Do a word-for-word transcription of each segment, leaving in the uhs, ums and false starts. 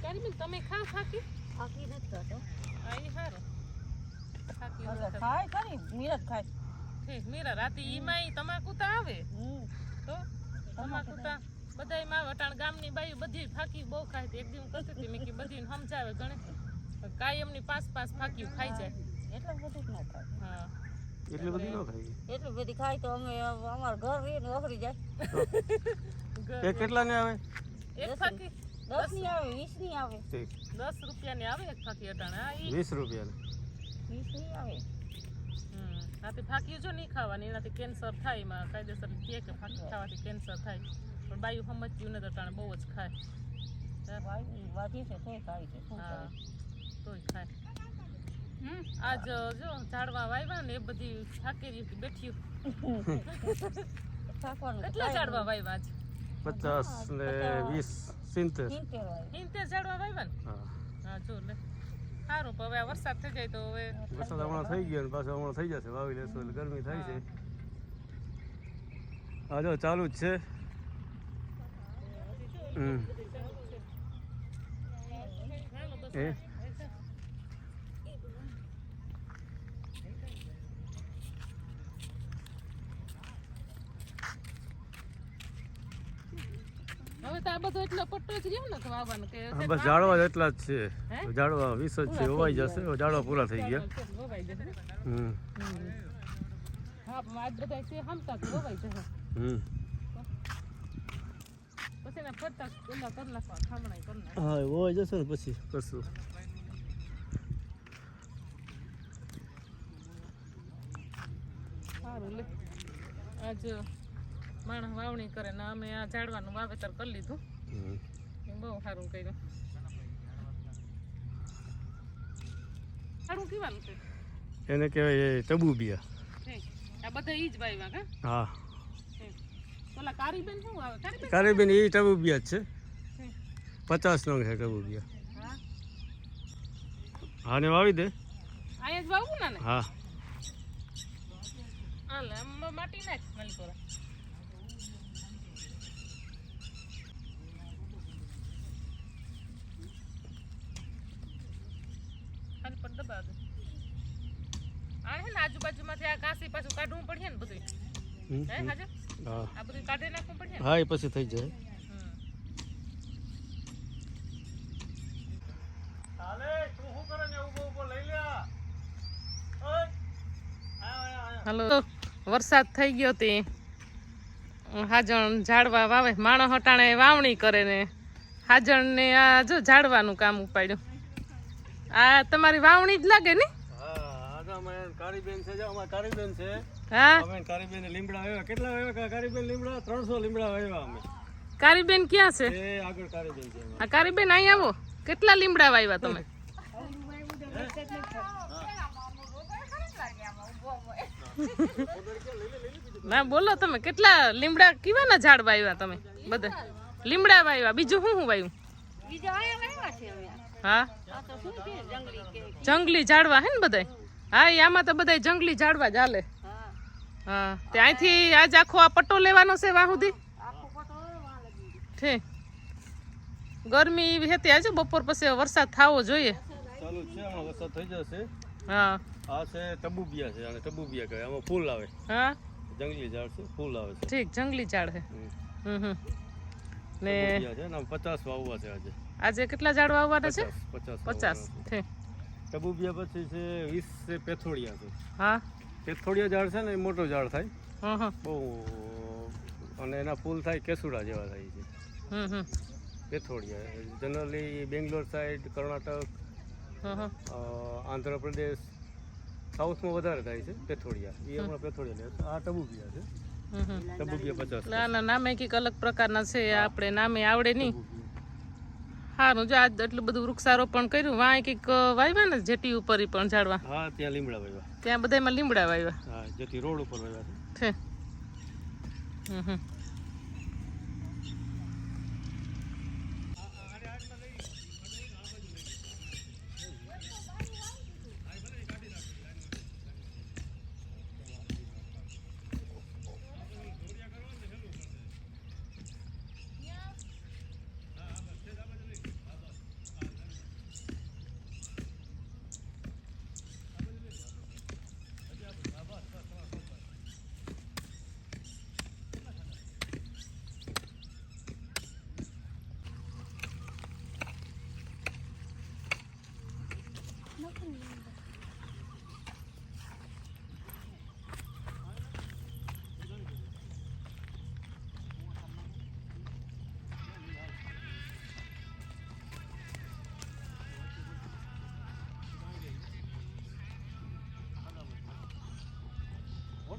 કારીબેન તમે ખાવ ફાકી ફાકી નથી ખાતો આ ઈ હારો ફાકી એટલે ખાય ખરી મીરા ખાય ઠીક મીરા રાતે ઈમાંય તમાકુ તો આવે તો તમાકુ તો બધાય માં વટાણ ગામની બાયું બધી ફાકી બહુ ખાય એક દી હું કરતી હતી મેં કે બધીને સમજાવે ગણે કાયમની પાસ પાસ ફાકી ખાઈ જાય એટલે બધું ન ખાય હા એટલી બધી ન ખાઈ એટલી બધી ખાય તો અમે અમાર ઘર રીને વખરી જાય એ કેટલા ને આવે એક ફાકી દસ ની આવે વીસ ની આવે ઠીક દસ રૂપિયાની આવે એક ફાકી અટાણે હા ઈ વીસ રૂપિયા વીસ ની આવે હમ આથી ફાકી જો નહીં ખાવાની એનાથી કેન્સર થાય એમાં કાયદેસર કહે કે ફાકી ખાવાથી કેન્સર થાય પણ બાયું સમજ્યું ને તો અટાણે બહુ જ ખાય વાધી છે તોય ખાય છે શું હા કરે તોય ખાય આજ જો ઝાડવા વાવ્યા ને એ બધી થાકેરી બેઠી થાકવાનું કેટલા ઝાડવા વાવ્યા છે પચાસ ને વીસ સિત્તેર સિત્તેર વાય ઇન્તેર ઝાડવા વાવ્યા ને હા હા જો લે સારું પણ હવે આ વરસાદ થઈ જાય તો હવે વરસાદ હમણાં થઈ ગયો ને પાછો હમણાં થઈ જશે વાવી લેશું એટલે ગરમી થાય છે હા જો ચાલુ જ છે હમ એ હવે તો આ બધો એટલો પટ્ટો જ રહ્યો ને વાવવાનો કે હા, બસ ઝાડવા જ એટલા જ છે ઝાડવા વીસ જ છે હોવાઈ જશે ઝાડવા પૂરા થઈ ગયા વવાઈ જશે હમ હા પણ આજ બધા છે હમતા વવાઈ જશે હમ પછી એના ફરતા પેલા કરી નાખવા ખામણાઈ કરી નાખવા હા હોવાઈ જશે ને પછી કરશું સારું લે આજ માણસ વાવણી કરે ને અમે આ ઝાડવાનું વાવેતર કરી લીધું હમ એ બહુ સારું કર્યું સારું કહેવાનું છે એને કહેવાય ટબુબિયા આ બધા ઈ જ વાવ્યા કા હા ઓલા કારીબેન શું આવે કારીબેન કારીબેન એ ટબુબિયા જ છે પચાસ નંગ છે ટબુબિયા હા હા ને વાવી દે અહીંયા જ વાવું ને હા હાલે આમ માટી નાખ મલકોરા ખાલી પર દબા દે આ હે ને આજુબાજુમાંથી આ કાસી પાછું કાઢવું પડશે ને બધું હમ, હે હમ. હાજર હા આ બધું કાઢી નાખવું પડશે ને હા એ પછી થઈ જાય હમ. હાલો વરસાદ થઈ ગયો તે હાજણ ઝાડવા વાવે માણસ હટાણે વાવણી કરે ને હાજણ ને આ જો ઝાડવાનું કામ ઉપાડ્યું આ તમારી વાવણી જ લાગે ને હા આજા અમે કારીબેન છે જો અમાર કારીબેન છે હા અમે કારીબેન લીમડા વાવ્યા કેટલા વાવ્યા કારીબેન લીમડા ત્રણસો લીમડા વાવ્યા અમે કારીબેન ક્યાં છે એ આગળ કારીબેન છે આ કારીબેન અહીં આવો કેટલા લીમડા વાવ્યા તમે ના બોલો તમે કેટલા લીમડા કેવાના ઝાડ વાવ્યા તમે બધા લીમડા વાવ્યા બીજું શું શું વાવ્યું બીજા આયા વાવ્યા છે અમે હા આ તો શું છે જંગલી કે જંગલી ઝાડવા હે ને બધાય હા એ આમાં તો બધાય જંગલી ઝાડવા જ હાલે હા હા તે અહીંથી આજ આખો આ પટ્ટો લેવાનો છે વાહ સુધી આખો પટો વાં લગી ઠીક ગરમી એવી હતી આજે બપોર પછી વરસાદ થવો જોઈએ ચાલુ જ છે હમણાં વરસાદ થઈ જશે હા આ છે ટબુબિયા છે અને ટબુબિયા કહે આમાં ફૂલ આવે હા જંગલી ઝાડ છે ફૂલ આવે છે ઠીક જંગલી ઝાડ છે હમ. હમ હમ ને ટબુબિયા છે ને આમ પચાસ વાવવા છે આજે આજે કેટલા ઝાડ વાવવાના છે પચાસ પચાસ પચાસ વાવવાના છે. ઠીક ટબુબિયા પછી છે વીસ છે પેથોડિયા છે હા પેથોડિયા ઝાડ છે ને એ મોટો ઝાડ થાય હમ હમ બહુ અને એના ફૂલ થાય કેસુડા જેવા થાય છે હમ હમ પેથોડિયા જનરલી બેંગ્લોર સાઈડ કર્ણાટક હમ હમ અ, આંધ્રપ્રદેશ સાઉથમાં વધારે થાય છે પેથોડિયા એ હમણાં પેથોડિયા લે આ ટબુબિયા છે હમ હમ ટબુબિયા પચાસ એટલે આના નામે કંઈક અલગ પ્રકારના છે આપણે નામે આવડે નહીં સારું જો આજ એટલું બધું વૃક્ષારોપણ કર્યું વાંય કંઈક વાવ્યા ને જેટી ઉપર ઈ પણ ઝાડવા હા ત્યાં લીમડા વાવ્યા ત્યાં બધામાં લીમડા વાવ્યા હા જેથી રોડ ઉપર વાવ્યા છે છે હમ હમ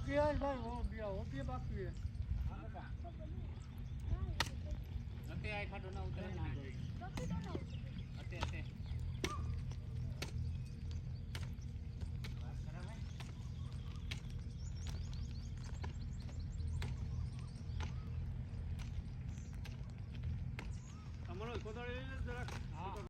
ભાઈ વો બિયા વો બિયા બાકી હે નથી આ ખાટો ના ઉતરે